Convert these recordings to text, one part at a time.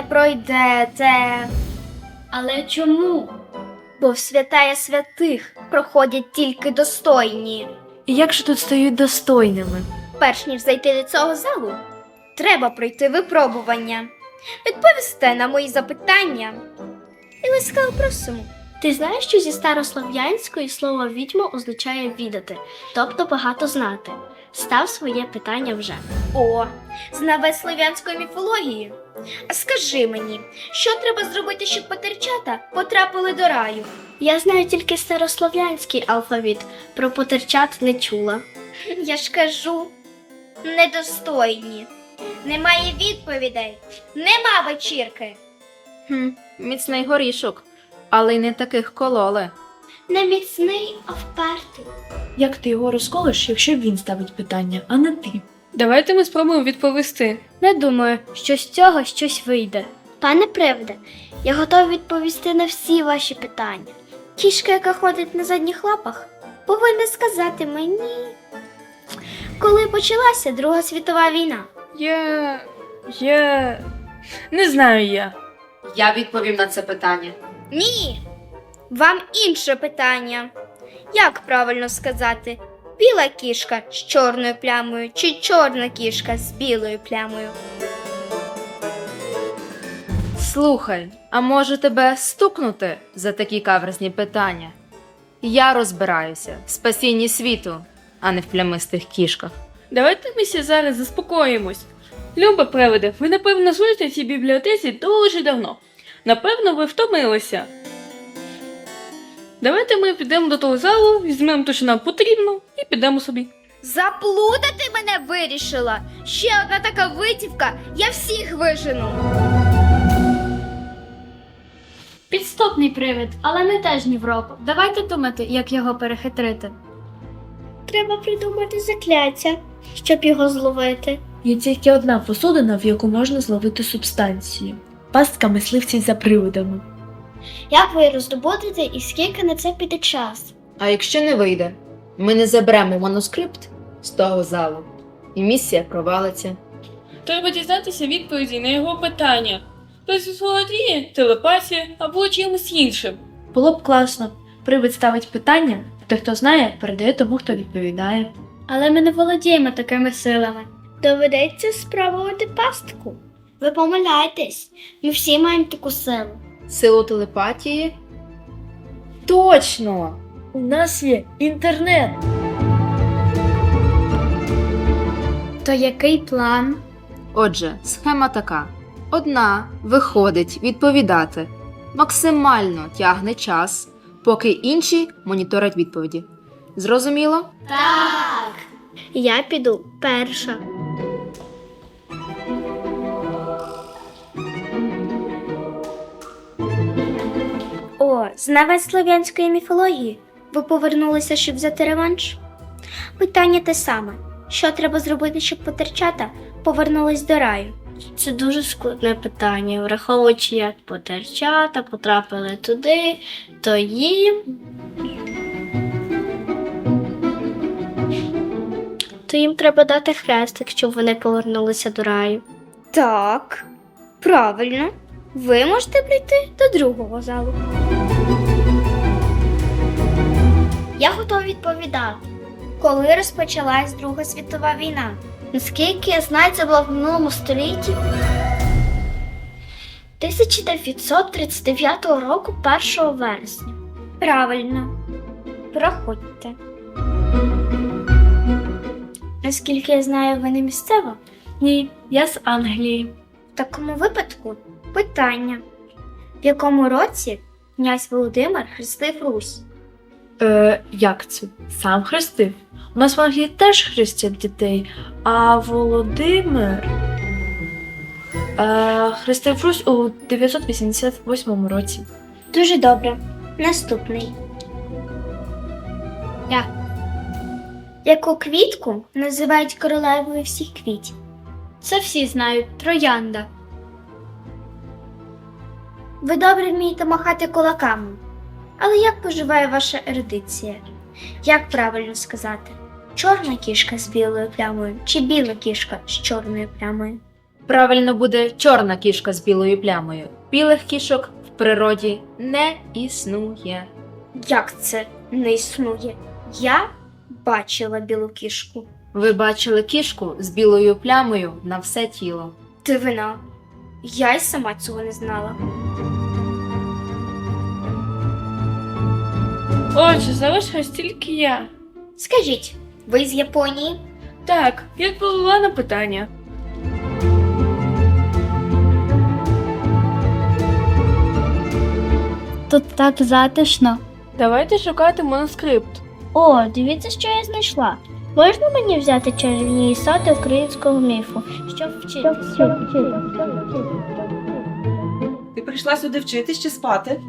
пройдете. Але чому? Бо в святая святих проходять тільки достойні. І як же тут стають достойними? Перш ніж зайти до цього залу, треба пройти випробування. Відповісте на мої запитання. І ласкаво просимо. Ти знаєш, що зі старослов'янської слово відьма означає відати, тобто багато знати. Став своє питання вже. О, знавець слов'янської міфології. А скажи мені, що треба зробити, щоб потерчата потрапили до раю? Я знаю тільки старослов'янський алфавіт, про потерчат не чула. Я ж кажу, недостойні. Немає відповідей, нема вечірки. Міцний горішок, але й не таких кололи. Не міцний, а впертий. Як ти його розколиш, якщо він ставить питання, а не ти? Давайте ми спробуємо відповісти. Не думаю, що з цього щось вийде. Пане привиде, я готова відповісти на всі ваші питання. Кішка, яка ходить на задніх лапах, повинна сказати мені, коли почалася Друга світова війна. Я... Не знаю я. Я відповім на це питання. Ні, вам інше питання. Як правильно сказати, біла кішка з чорною плямою чи чорна кішка з білою плямою? Слухай, а може тебе стукнути за такі каверзні питання? Я розбираюся в спасінні світу, а не в плямистих кішках. Давайте ми ще зараз заспокоїмось. Люба привиде, ви, напевно, служите в цій бібліотеці дуже давно. Напевно, ви втомилися. Давайте ми підемо до того залу, візьмемо те, що нам потрібно, і підемо собі. Заплутати мене вирішила? Ще одна така витівка, я всіх вижену. Підступний привид, але не теж ні в року. Давайте думати, як його перехитрити. Треба придумати закляття, щоб його зловити. Є тільки одна посудина, в яку можна зловити субстанцію. Пастка мисливців за привидами. Як ви її роздобудете і скільки на це піде час? А якщо не вийде, ми не заберемо манускрипт з того залу, і місія провалиться. Треба дізнатися відповіді на його питання. Хтось володіє телепатія або чимось іншим. Було б класно. Привид ставить питання, а той, хто знає, передає тому, хто відповідає. Але ми не володіємо такими силами. Доведеться спробувати пастку. Ви помиляєтесь. Ми всі маємо таку силу. Силу телепатії? Точно! У нас є інтернет! То який план? Отже, схема така. Одна виходить відповідати, максимально тягне час, поки інші моніторять відповіді. Зрозуміло? Так! Я піду перша. О, знавець слов'янської міфології. Ви повернулися, щоб взяти реванш? Питання те саме. Що треба зробити, щоб потерчата повернулись до раю? Це дуже складне питання, враховуючи, як потерчата потрапили туди, то їм... То їм треба дати хрестик, щоб вони повернулися до раю. Так, правильно. Ви можете прийти до другого залу. Я готова відповідати. Коли розпочалась Друга світова війна? Наскільки я знаю, це було в минулому столітті. 1939 року, 1 вересня. Правильно. Проходьте. Наскільки я знаю, ви не місцева? Ні, я з Англії. В такому випадку питання. В якому році князь Володимир хрестив Русь? Як це? Сам хрестив? У нас в Англії теж хрестять дітей, а Володимир хрестив Русь у 988 році. Дуже добре. Наступний. Яку квітку називають королевою всіх квітів? Це всі знають. Троянда. Ви добре вмієте махати кулаками. Але як поживає ваша ерудиція? Як правильно сказати? Чорна кішка з білою плямою чи біла кішка з чорною плямою? Правильно буде чорна кішка з білою плямою. Білих кішок в природі не існує. Як це не існує? Я бачила білу кішку. Ви бачили кішку з білою плямою на все тіло. Дивина. Я й сама цього не знала. Отже, залишилась тільки я. Скажіть, ви з Японії? Так, я відповіла на питання. Тут так затишно. Давайте шукати манускрипт. О, дивіться, що я знайшла. Можна мені взяти чарівні істоти українського міфу, щоб вчитися? Ти прийшла сюди вчитись чи спати?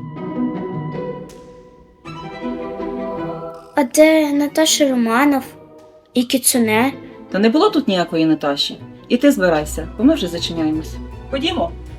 А де Наташа Романов і Кіцуне? Та не було тут ніякої Наташі. І ти збирайся, бо ми вже зачиняємось. Ходімо.